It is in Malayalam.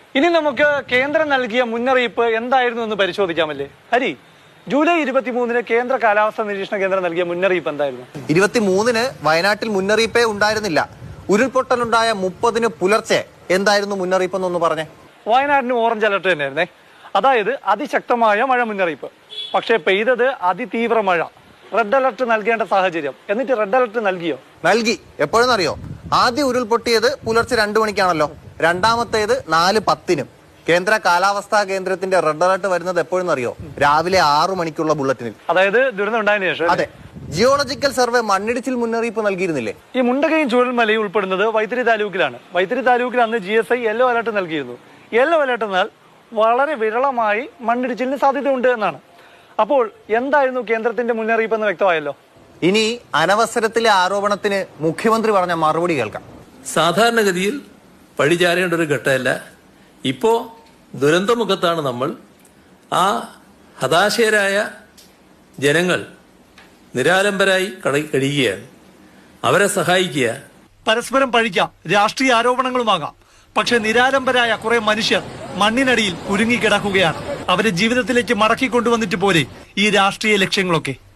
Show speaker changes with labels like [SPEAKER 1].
[SPEAKER 1] ഇനി നമുക്ക് കേന്ദ്രം നൽകിയ മുന്നറിയിപ്പ് എന്തായിരുന്നു എന്ന് പരിശോധിക്കാമല്ലേ? ഹരി, ജൂലൈ 23-ന് കേന്ദ്ര കാലാവസ്ഥാ നിരീക്ഷണ കേന്ദ്രം നൽകിയ മുന്നറിയിപ്പ് എന്തായിരുന്നു?
[SPEAKER 2] 23-ന് വയനാട്ടിൽ മുന്നറിയിപ്പേ ഉണ്ടായിരുന്നില്ല. ഉരുൾപൊട്ടലുണ്ടായ 30-ന് പുലർച്ചെ എന്തായിരുന്നു മുന്നറിയിപ്പ് എന്നൊന്ന് പറഞ്ഞേ.
[SPEAKER 1] വയനാടിന് ഓറഞ്ച് അലർട്ട് തന്നെയായിരുന്നേ, അതായത് അതിശക്തമായ മഴ മുന്നറിയിപ്പ്. പക്ഷേ പെയ്തത് അതിതീവ്ര മഴ. റെഡ് അലർട്ട് നൽകേണ്ട സാഹചര്യം. എന്നിട്ട് റെഡ് അലർട്ട് നൽകിയോ?
[SPEAKER 2] നൽകി. എപ്പോഴെന്നറിയോ? ആദ്യം ഉരുൾപൊട്ടിയത് പുലർച്ചെ 2 മണിക്കാണല്ലോ. രണ്ടാമത്തേത് 4:10-നും. കേന്ദ്ര കാലാവസ്ഥാ കേന്ദ്രത്തിന്റെ റെഡ് അലർട്ട് വരുന്നത് എപ്പോഴെന്നറിയോ? രാവിലെ 6 മണിക്കുള്ള ബുള്ളറ്റിനിൽ.
[SPEAKER 1] അതായത് ദുരന്തം ഉണ്ടായതിനു ശേഷം.
[SPEAKER 2] അതെ. ജിയോളജിക്കൽ സർവേ മണ്ണിടിച്ചിൽ മുന്നറിയിപ്പ് നൽകിയിരുന്നില്ലേ?
[SPEAKER 1] ഈ മുണ്ടകയും ചൂരൽമലയും ഉൾപ്പെടുന്നത് വൈത്തിരി താലൂക്കിലാണ്. വൈത്തിരി താലൂക്കിൽ അന്ന് GSI യെല്ലോ അലർട്ട് നൽകിയിരുന്നു. യെല്ലോ അലർട്ട് എന്നാൽ വളരെ വിരളമായി മണ്ണിടിച്ചിലിന് സാധ്യതയുണ്ട് എന്നാണ്. അപ്പോൾ എന്തായിരുന്നു കേന്ദ്രത്തിന്റെ മുന്നറിയിപ്പ് എന്ന് വ്യക്തമായല്ലോ.
[SPEAKER 2] ഇനി അനവസരത്തിലെ ആരോപണത്തിന് മുഖ്യമന്ത്രി പറഞ്ഞ മറുപടി കേൾക്കാം.
[SPEAKER 3] സാധാരണഗതിയിൽ പഴിചാരേണ്ട ഒരു ഘട്ടമല്ല. ഇപ്പോ ദുരന്തമുഖത്താണ് നമ്മൾ. ആ ഹതാശയരായ ജനങ്ങൾ നിരാലംബരായി കഴിയുകയാണ്. അവരെ സഹായിക്കുക.
[SPEAKER 1] പരസ്പരം പഴിക്കാം, രാഷ്ട്രീയ ആരോപണങ്ങളുമാകാം. പക്ഷെ നിരാലംബരായ കുറെ മനുഷ്യർ മണ്ണിനടിയിൽ കുരുങ്ങിക്കിടക്കുകയാണ്. അവരെ ജീവിതത്തിലേക്ക് മടക്കി കൊണ്ടുവന്നിട്ട് പോരെ ഈ രാഷ്ട്രീയ ലക്ഷ്യങ്ങളൊക്കെ.